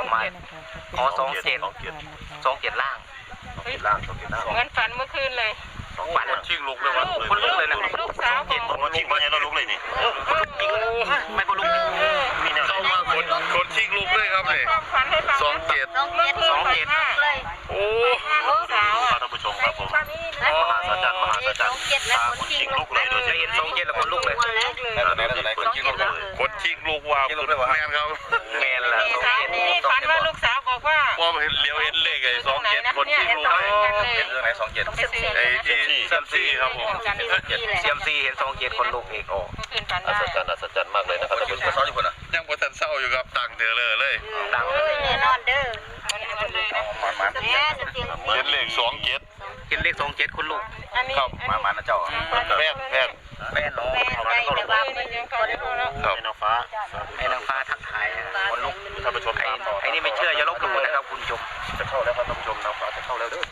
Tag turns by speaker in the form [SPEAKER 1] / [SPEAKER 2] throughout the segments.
[SPEAKER 1] มาอ๋อ27ล่าง
[SPEAKER 2] เหมือนฝันเมื่อคืนเลย
[SPEAKER 1] ฝันชิงลุกเลยวันคนลุกเลยนะ
[SPEAKER 2] ลูกสาว
[SPEAKER 1] คนชิงมาเนี่ยเราลุกเลยนี่คนลุกจริงไม่คนลุกมีแนวเข้ามาคนชิงลุกเลยครับเนี่ย27โอ้
[SPEAKER 2] ลูกสาว
[SPEAKER 1] ท่านผู้ชมครับผมมหาสัจจ์คนชิงลุกเลยโดยจะเห็น27แล้วคนลุกเลยคนชิงลุกว่าแมนครับแมนละ
[SPEAKER 2] นี่ฝันว่าลูกสาวบอกว่า
[SPEAKER 1] เลี้ยวเห็นเลขไอ้27คนชิงลุกเห็นเรื่องไหน27ไอ้ที่เซียมซีครับผมเซียมซีเห็น27คนลุกเอกอัศจรรย์มากเลยนะครับท่านผู้ชมยังบ่ทันเศร้าอยู่ครับตังเธอเลย
[SPEAKER 2] ตังเลยนอนเด้อ
[SPEAKER 1] เห็นเลข27เห็นเลข27คนลุกครับมานะเจ้าแฟนน้องครับนางฟ้าทักทายคนลุกท่านผู้ชมไอ้นี่ไม่เชื่ออย่าลบหลู่นะครับคุณผู้ชมจะเข้าแล้วครับท่านผู้ชมนางฟ้าจะเข้าแล้วเด้อ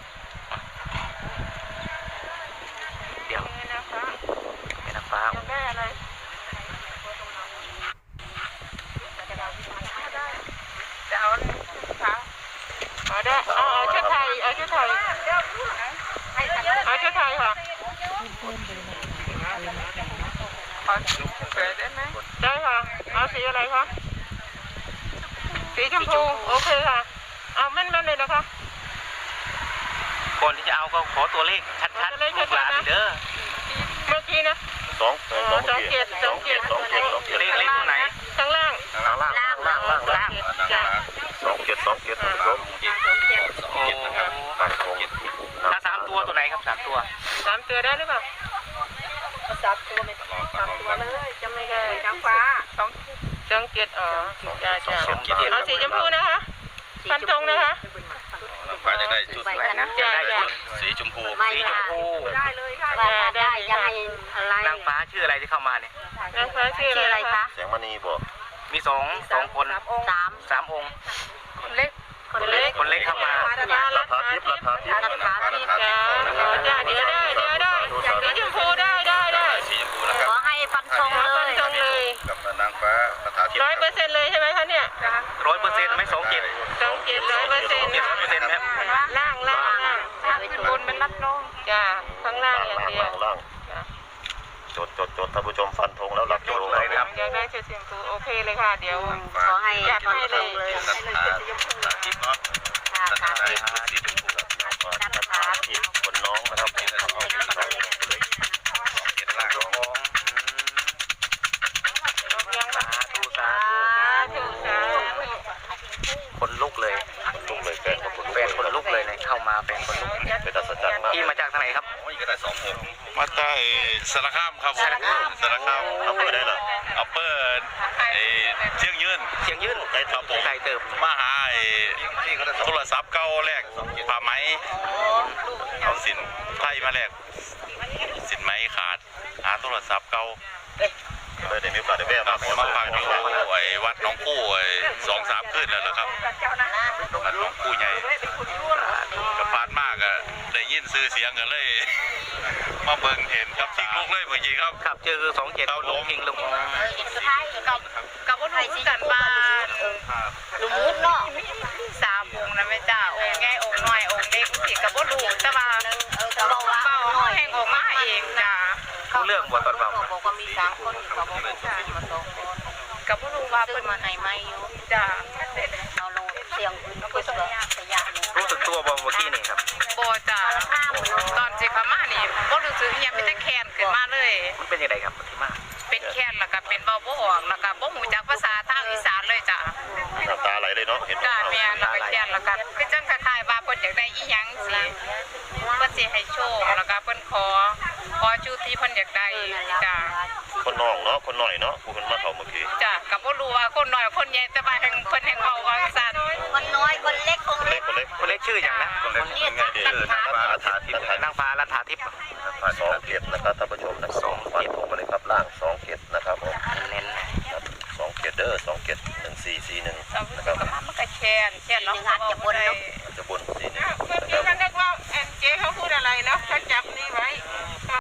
[SPEAKER 1] เดี๋ยวเป็นนางฟ้า
[SPEAKER 2] แม่อะไรจะเอาค่ะเอาได้เอาชุดไทยค่ะขอเปิดได้ไหมได้ค่ะเอาสีอะไรคะสีชมพูโอเคค่ะเอาแม่นเลยนะคะ
[SPEAKER 1] ก่อนที่จะเอาก็ขอตัวเลขชัดๆลูกหลานเด้อ
[SPEAKER 2] เมื่อกี้นะ27
[SPEAKER 1] เลขตัวไหน
[SPEAKER 2] ข้างล่าง
[SPEAKER 1] 27ถ้า3ตัวตัวไหนครับ3ตัว
[SPEAKER 2] ได้หรือเปล่า3ตัวไม่3ตัวเลยจะไม่ได้นางฟ้า27เอาสีชมพูนะคะฟันธงนะคะ
[SPEAKER 1] ฟ้าจะได้จุดไหนนะสีชมพู
[SPEAKER 2] ได้เลยค่ะได้ยังไงอะไร
[SPEAKER 1] นางฟ้าชื่ออะไรที่เข้ามาเนี่ย
[SPEAKER 2] นางฟ้าชื่ออะไรคะ
[SPEAKER 1] แสงมณีบอกมี2คน3องค์คนเล็กเข้ามารัฐาทิพย์
[SPEAKER 2] เดี๋ยวได้สีชมพูได้
[SPEAKER 3] ขอให้ฟันธง
[SPEAKER 2] เลย
[SPEAKER 1] กับนางฟ้ารัฐาทิพย์
[SPEAKER 2] 100%เลยใช่ไหมคะเนี่ย
[SPEAKER 1] 100%ไม่27
[SPEAKER 2] 100%ครับล่างบนเป็นรัดลงจ้าข้างล่างอย่างเดียว
[SPEAKER 1] จดท่านผู้ชมฟันธงแล้วรับจดเลยครับ
[SPEAKER 2] อยากได้เสียงตูโอเคเลยค่ะเดี๋ยว
[SPEAKER 3] ขอให้
[SPEAKER 2] อยากให้เลย
[SPEAKER 1] คนน้องนะครับคนลุกเลยแฟนคนลุกเลยเนี่ยเข้ามาแฟนคนลุกเป็นอัศจรรย์มากที่มาจากทางไหนครับมาจากสารคามครับสารคามเอาเปิดได้เหรอเอาเปิดเชียงยืนไก่ครับผมไก่เติมมาหาโทรศัพท์เก่าแรกผ้าไหมเอาสินไทยมาแรกสินไหมขาดหาโทรศัพท์เก่าเลยเดี๋ยวมีโอกาสได้แวะมาฟังอยู่ไอ้วัดน้องกู้2-3 คืนแล้วนะครับวัดน้องกู้ใหญ่กระพานมากอะได้ยินซื้อเสียงกันเลยมาเบิ่งเห็นครับทิ้งลูกเลยเมื่อกี้ครับเจอ27เขาล้มทิ้งลูก
[SPEAKER 3] กับว่าหนูกันมาลุมุดเนาะ3 องค์นะแม่จ้าองค์ใหญ่องค์น้อยองค์เล็กสิกับว่าลูกแต่ว่าเบาแห้งออกมาเองจ้า
[SPEAKER 1] เรื่องบทตอนเบา
[SPEAKER 3] บอกว่ามี3 คนเขาบอกมา2 คนกับว่าลูกว่าเพิ่นมาให้ไม่อยู่จ้าเอาลงเสียงอื่นก็สยะ
[SPEAKER 1] รู้สึกตัวบ่เมื่อกี้นี่ครับ
[SPEAKER 3] บ่จ้าตอนสิเขามานี่บ่รู้สึกยังเป็นแต่แค้นขึ้นมาเลย
[SPEAKER 1] มันเป็นยังไงครับที่มา
[SPEAKER 3] เป็นแค้นแล้วก็เป็นเบาบ่ออกแล้วก็บ่ฮู้จักภาษาทางอีสานเลยจ้า
[SPEAKER 1] น้ำตาไหลเลยเนาะเห็น
[SPEAKER 3] จ้าแม่แล้วก็แค้นแล้วก็คือจังคล้ายๆว่าเพิ่นอยากได้อีหยังสิเพิ่นสิให้โชคแล้วก็เพิ่นขอจุดที่เพิ่นอยากได้จ้า
[SPEAKER 1] คนน้องเนาะคนหน่อยเนาะผู้เพิ่นมาเข้าเมื่อกี้
[SPEAKER 3] จ้าก็บ่รู้ว่าคนน้อยคนใหญ่แต่ว่าแห่งเพิ่นแห่งเว้าว่าซั่นคนน้อยคนเล็ก
[SPEAKER 1] คนเล็กชื่อหยังนะคนเล็กชื่อนางฟ้ารัฐาทิพย์2 เกียรตินะครับท่านผู้ชมนะ2 เกียรติผมมาเลยครับล่าง2 เกียรตินะครับผมเน้น2 เกียรติเด้อ2 เกียรติ1441นะครับ
[SPEAKER 3] มันก็แค้นเนาะ
[SPEAKER 1] จะบน41
[SPEAKER 2] เมื่อกี้ท่านนึกว่าเจ๊เขาพูดอะไรเนาะเขาจับนี่ไว้